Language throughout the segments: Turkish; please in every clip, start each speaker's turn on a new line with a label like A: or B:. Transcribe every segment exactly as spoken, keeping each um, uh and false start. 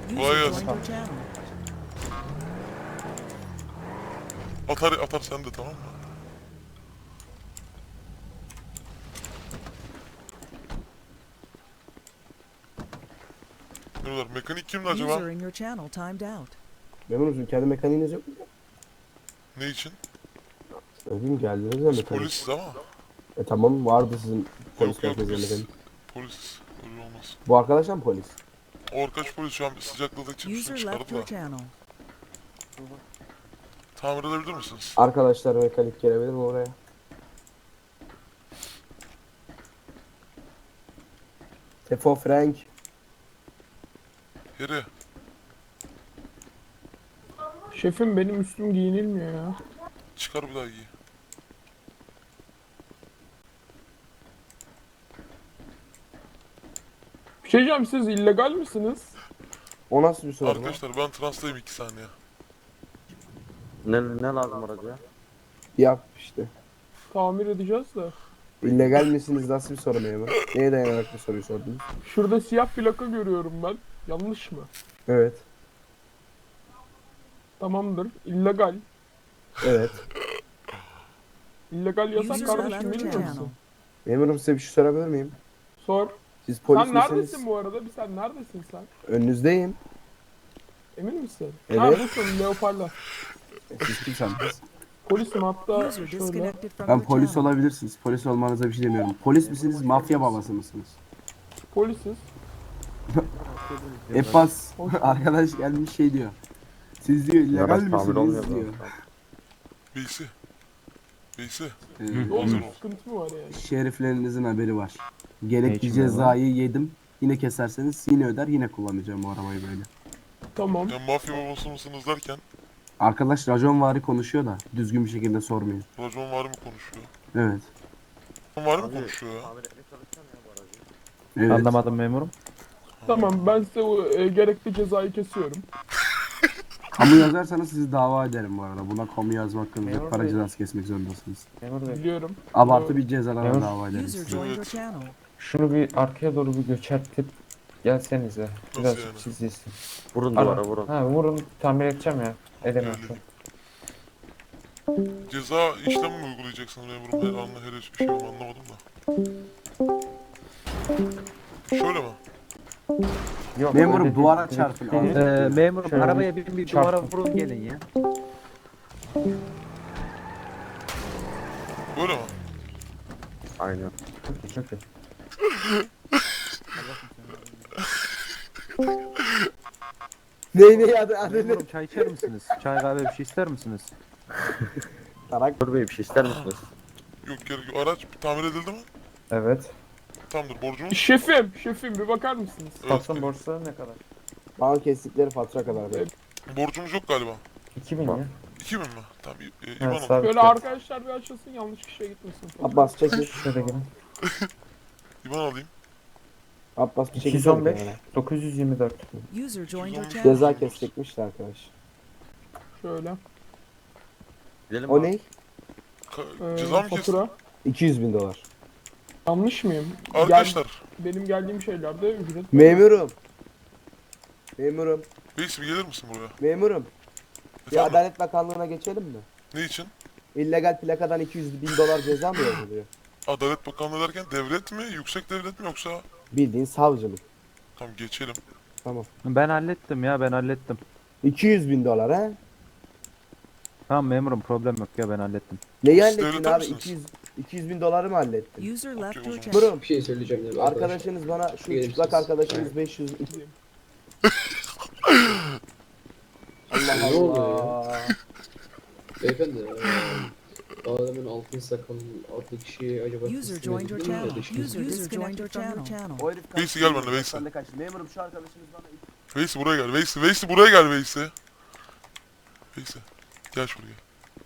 A: Kolay
B: User
A: gelsin.
B: joined your channel.
A: Atar atar sen de, tamam mı? Diyorlar, mekanik kimdi acaba?
B: User in your channel timed out.
C: Memur musun? Kendi mekaniğiniz yok mu?
A: Ne için?
C: Öbürüm geldiniz ya
A: Biz
C: mekanik.
A: polisiz ama.
C: E tamam vardı sizin polis
A: Yok yok
C: merkezinde
A: biz
C: mekanik.
A: polisiz. Öyle olmaz.
C: Bu arkadaşlar mı polis?
A: O arkadaş polis şu an sıcakladığı için şunu
B: User
A: çıkardı
B: left your
A: da.
B: channel.
A: Tamir edebilir misiniz?
C: Arkadaşlar mekanik gelebilir mi oraya? Tefo Frank.
A: Yeri.
D: Şefim benim üstüm giyinilmiyor ya.
A: Çıkar bir daha giy.
D: Bir şey diyeceğim, siz illegal misiniz?
C: O nasıl bir soru lan?
A: Arkadaşlar ben transtayım iki saniye.
E: Ne, ne lazım aracıya?
C: Yap işte.
D: Tamir edeceğiz de.
C: İllegal misiniz nasıl bir soru memur? Neye dayanarak bu soruyu sordunuz?
D: Şurada siyah plaka görüyorum ben. Yanlış mı?
C: Evet.
D: Tamamdır. İllegal.
C: Evet.
D: İllegal yasak
B: User
D: kardeşim,
B: left your
D: bilmiyor
B: channel.
D: musun?
C: Memurum size bir şey sorabilir miyim?
D: Sor.
C: Siz polis
D: Sen
C: misiniz?
D: neredesin bu arada? Bir sen neredesin sen?
C: Önünüzdeyim.
D: Emin misin?
C: Evet.
D: Ha busun, leoparla.
C: E, Siz kimsiniz?
D: Polisim hatta
B: User
D: şöyle.
B: disconnected from
C: Ben
B: your
C: polis
B: channel.
C: olabilirsiniz. Polis olmanıza bir şey demiyorum. Polis misiniz, mafya babası mısınız?
D: Polisiz.
C: Efas arkadaş gelmiş şey diyor. Siz diyor illegal
E: Araç tamir olmuyor
C: misiniz diyor.
E: zaten.
A: Beysi. Beysi.
C: Ee,
D: Ne oldu?
A: Hazır ol.
D: Sıkıntı mı var yani?
C: şeriflerinizin haberi var. Gerekli
F: için
C: cezayı yedim. Yine keserseniz yine öder yine kullanacağım bu arabayı böyle.
D: Tamam.
A: Ya mafya babası mısınız derken
C: Arkadaş raconvari konuşuyor da düzgün bir şekilde sormuyor.
A: racon var mı konuşuyor?
C: Evet.
A: Racon var mı
E: Abi,
A: konuşuyor ya?
E: Tamir etmeye çalışacağım ya bu aracı.
C: Evet.
F: Anlamadım memurum.
D: Tamam, ben size o, e, gerekli cezayı kesiyorum.
C: Kamu yazarsanız sizi dava ederim bu arada. Buna kamu yazmak hakkında
F: Memur
C: para
F: Bey.
C: cezası kesmek zorundasınız.
F: Memur bey,
D: Biliyorum.
C: Abartı bir cezalara
F: Memur.
C: dava ederiz.
B: User
C: sizi.
B: joined your
A: Evet.
B: channel.
F: şunu bir arkaya doğru bir göçertip gelsenize. Biraz
A: yani?
F: siz iyisin.
E: Vurun
F: Ara-
E: duvara vurun.
F: Ha vurun, tamir edeceğim ya. Edemem şu an.
A: Ceza işlemi mi uygulayacaksın memurum? Ben anla henüz bir şey anlamadım da. Şöyle mi?
F: Yok,
C: Memurum,
F: öyle
C: duvara
F: değil.
C: çarpın.
F: Direkt-
G: Ee, memurum
F: Şöyle
G: arabaya bir, bir duvara
F: çarptım.
G: vurun gelin ya.
A: Böyle mi?
E: Aynen.
F: Çok iyi, çok iyi.
C: Ne ne adı adı ne?
G: Memurum çay içer misiniz? Çay kahve bir şey ister misiniz?
C: Tarak.
E: Dur bey bir şey ister misiniz?
A: Yok gerek yok. Araç tamir edildi mi?
F: Evet.
A: Tamamdır. Borcumuz?
D: Şefim, şefim bir bakar mısınız?
A: Evet.
F: Patron borçları ne kadar?
C: Bana kestikleri fatura kadar.
D: Evet.
A: Borcumuz yok galiba.
F: iki bin ya.
A: iki bin mi? Tamam. E,
F: Ha,
A: İban al.
F: sabit
D: Böyle
F: fiyat.
D: arkadaşlar bir açılsın, yanlış kişiye gitmesin.
C: Abbas çekil.
F: Şöyle gelin.
A: İban alayım.
C: Abbas bir
F: iki
C: çekil.
F: yüz on beş, dokuz yüz yirmi dört.
B: User joined your channel.
C: Ceza kesecekmişti arkadaş.
D: Şöyle.
E: Gidelim
C: O
E: abi.
C: ne?
A: Ka-
D: Ee,
A: ceza mı kestin?
D: fatura.
C: iki yüz bin dolar.
D: Yanlış mıyım?
A: Arkadaşlar.
D: Gel- benim geldiğim şeylerde ücret.
C: Memurum. Memurum.
A: Beysi bir gelir misin buraya?
C: Memurum. Bir
A: Efendim?
C: Adalet Bakanlığı'na geçelim mi?
A: Ne için?
C: İllegal plakadan iki yüz bin dolar ceza mı yazılıyor?
A: Adalet Bakanlığı derken devlet mi? Yüksek devlet mi yoksa?
C: Bildiğin savcılık.
A: Tamam geçelim.
C: Tamam.
G: Ben hallettim ya ben hallettim.
C: iki yüz bin dolar ha?
G: Tamam memurum problem yok ya ben hallettim.
C: Neyi
A: Siz
C: hallettin
A: devlete
C: abi?
A: misiniz?
C: iki yüz, iki yüz bin doları mı hallettin?
B: User left
A: Okey, o
B: your
A: zaman.
B: channel.
C: Memurum.
H: Bir şey söyleyeceğim ya.
C: Arkadaşınız bana şu
H: Gelir
C: çıplak
H: misiniz?
C: arkadaşınız beş yüz. Allah
H: Ne oluyor
C: Allah.
H: Beyefendi, eee, adamın altın sakalının altı kişi acaba
B: User
H: teslim
B: joined your
H: edildi mi ya
B: channel.
H: da işte-
B: User disconnected from your channel.
C: O herif
A: Veysi gel benimle, Veysi.
C: Sen de kaç. Memurum şu arkadaşınız bana
A: Veysi buraya gel. Veysi, Veysi buraya gel Veysi. Veysi. Gel şuraya.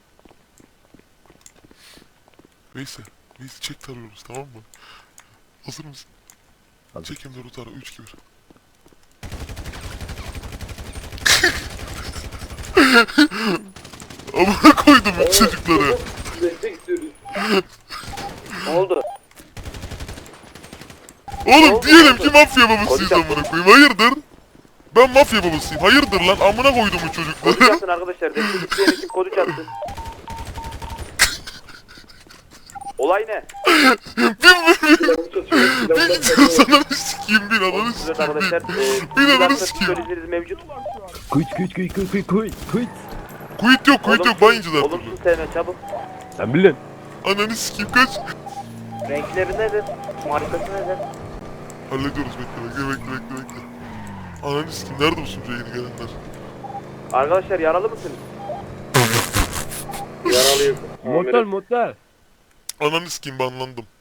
A: Veysi. Veysi çek tarıyoruz tamam mı? Hazır mısın?
E: Hazır.
A: Çek hem de tara. üç iki bir. Amına koydum bu çocukları.
E: Ne oldu?
A: Oğlum diyelim ki mafya babasıyız amına koyayım. Hayırdır? Ben mafya babasıyım. Hayırdır lan amına koydum bu çocukları.
E: Kodu çatsın arkadaşlar. Destek isteyen ekip kodu çatsın. Olay ne?
A: Bir gidiyoruz ananı sikeyim bir ananı
E: Evet
A: sikeyim
E: arkadaşlar.
A: bir. Bir ananı
E: E,
A: sikeyim.
E: psikolojiniz mevcut.
G: Kuyut kuyut kuyut kuyut kuyut kuyut kuyut.
A: Kuyut yok kuyut yok bayıncılar tabii.
E: Olumsuz sevme çabuk.
G: Sen bilin.
A: Ananı sikeyim kaç.
E: Renkleri nedir? Markası nedir?
A: Hallediyoruz bekle bekle bekle bekle bekle. Ananı sikeyim nerede bu sunucuya yeni gelenler?
E: Arkadaşlar yaralı mısınız?
H: Yaralıyım.
G: Motel motel.
A: Ananı sikeyim banlandım.